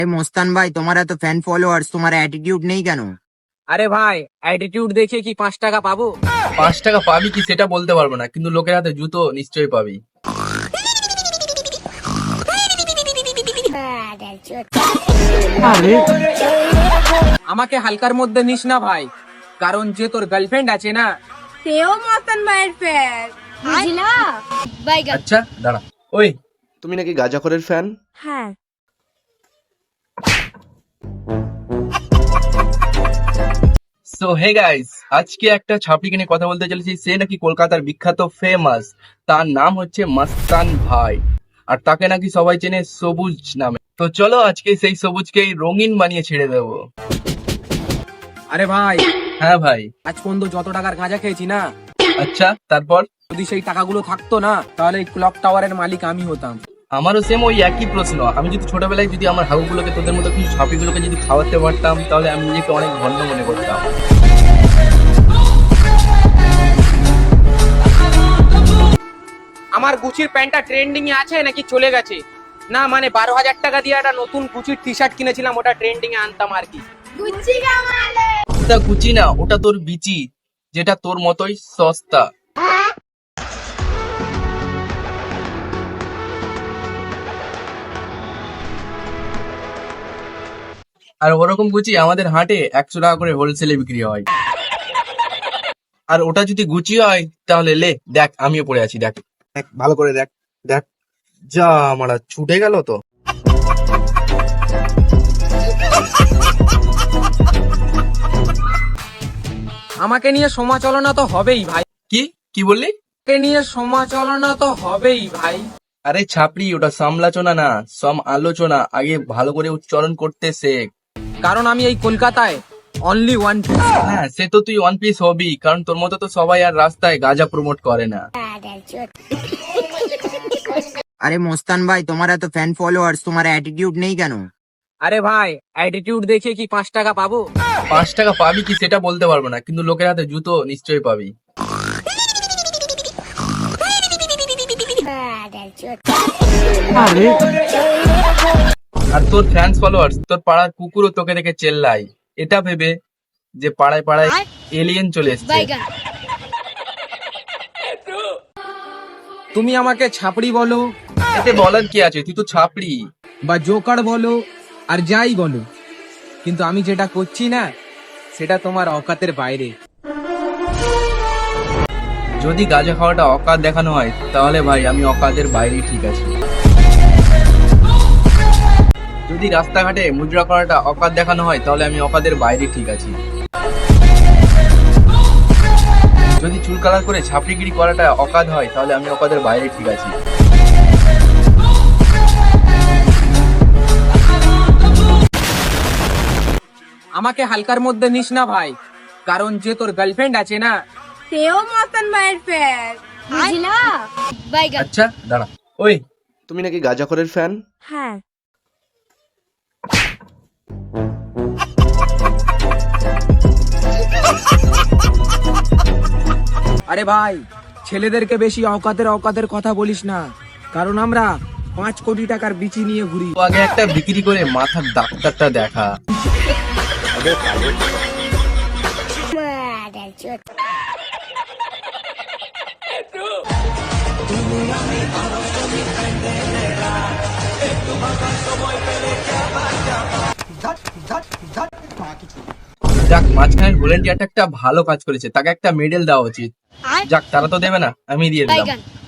মোস্তান ভাই, তোমার এত ফ্যান ফলোয়ার্স, তোমার অ্যাটিটিউড নেই কেন? আরে ভাই, অ্যাটিটিউড দেখে কি 5 টাকা পাবো? 5 টাকা পাবি কি সেটা বলতে পারবো না, কিন্তু লোকের হাতে জুতো নিশ্চয়ই পাবি। আমাকে হালকার মধ্যে নিস না ভাই, কারণ যে তোর গার্লফ্রেন্ড আছে না, সেও মতন ভাইয়ের ফ্যান, বুঝলা? বাইগান। আচ্ছা দাঁড়া, ওই তুমি নাকি গাঁজাখোরের ফ্যান? হ্যাঁ। সো হে গাইস, আজকে একটা ছাপড়িকে নিয়ে কথা বলতে চলেছি। সে নাকি কলকাতার বিখ্যাত ফেমাস, তার নাম হচ্ছে মাস্তান ভাই, আর তাকে নাকি সবাই চেনে সবুজ নামে। তো চলো আজকে সেই সবুজকে রঙিন বানিয়ে ছেড়ে দেবো। আরে ভাই, হ্যাঁ ভাই। আজ পর্যন্ত যত টাকার গাঁজা খেয়েছি না, আচ্ছা তারপর? যদি সেই টাকাগুলো থাকতো না, তাহলে এই ক্লক টাওয়ারের মালিক আমি হতাম। আমারও সেম ওই একই প্রশ্ন। আমি যদি ছোটবেলায় যদি আমার হাগুগুলোকে তোদের মতো কিছু ছাপিগুলোকে যদি খাওয়াতে পারতাম, তাহলে আমি নিজেকে অনেক ধন্য মনে করতাম। আমার গুচির প্যান্টটা ট্রেন্ডিং এ আছে নাকি চলে গেছে? না মানে 12,000 টাকা দিয়ে একটা নতুন গুচির টি শার্ট কিনেছিলাম, ওটা ট্রেন্ডিং এ আনতাম আর কি। গুচ্ছি কামালে। ওটা গুচি না, ওটা তোর বিচি, যেটা তোর মতোই সস্তা। আর ওরকম গুচি আমাদের হাটে 100 টাকা করে হোলসেলে বিক্রি হয়। আর ওটা যদি গুচি হয় তাহলে লে দেখ, আমিও পড়ে আছি, দেখ দেখ ভালো করে দেখ। দেখ যা, আমার ছুটে গেল তো। আমাকে নিয়ে সমালোচনা তো হবেই ভাই, কি কি বললি? আমাকে নিয়ে সমালোচনা তো হবেই ভাই। আরে ছাপড়ি, ওটা সমালোচনা না, আলোচনা। আগে ভালো করে উচ্চারণ করতে শেখ। কারণ আমি এই কলকাতায় অনলি ওয়ান পিস। হ্যাঁ, সে তো তুই ওয়ান পিস হবি, কারণ তোর মতো তো সবাই আর রাস্তায় গাঁজা প্রমোট করে না। আরে মোস্তান ভাই, তোমার এত ফ্যান ফলোয়ার্স, তোমার অ্যাটিটিউড নেই কেন? আরে ভাই, অ্যাটিটিউড দেখে কি 5 টাকা পাবো? 5 টাকা পাবি কি সেটা বলতে পারবো না, কিন্তু লোকের হাতে জুতো নিশ্চয়ই পাবি। আর তোর ফ্যান্স ফলোয়ার্স, তোর পাড়ার কুকুরও তোকে দেখে চেল্লাই, এটা ভেবে যে পাড়ায় পাড়ায় এলিয়েন চলে এসছে। বাইগান। তুমি আমাকে ছাপড়ি বলো এতে বলার কি আছে, তুই তো ছাপড়ি। বা জোকার বলো আর যাই বলো, কিন্তু আমি যেটা করছি না, সেটা তোমার অকাতের বাইরে। যদি গাঁজা খাওয়াটা অকাত দেখানো হয়, তাহলে ভাই আমি অকাতের বাইরে ঠিক আছি। যদি রাস্তাঘাটে মুজরা করাটা অকাত দেখানো হয়, তাহলে আমি অকাতের বাইরে ঠিক আছি। যদি চুল কালার করে ছাপড়িগিরি করাটা অকাত হয়, তাহলে আমি অকাতের বাইরে ঠিক আছি। আমাকে হালকার মধ্যে নিস না ভাই, কারণ যে তোর গার্লফ্রেন্ড আছে না, সেও মতন ভাইয়ের ফ্যান, বুঝলা? বাইগান। আচ্ছা দাঁড়া, ওই তুমি নাকি গাঁজাখোরের ফ্যান? হ্যাঁ। আরে ভাই, ছেলেদেরকে বেশি অকাতের কথা বলিস না, কারণ আমরা 5 কোটি টাকার বিচি নিয়ে ঘুরি। তো আগে একটা বিক্রি করে মাথার ডাক্তারটা দেখা। যাক, মাঝখানে ভলেন্টিয়ারটা একটা ভালো কাজ করেছে, তাকে একটা মেডেল দেওয়া উচিত। যাক, তারা তো দেবে না, আমি দিয়ে দিলাম। বাইগান।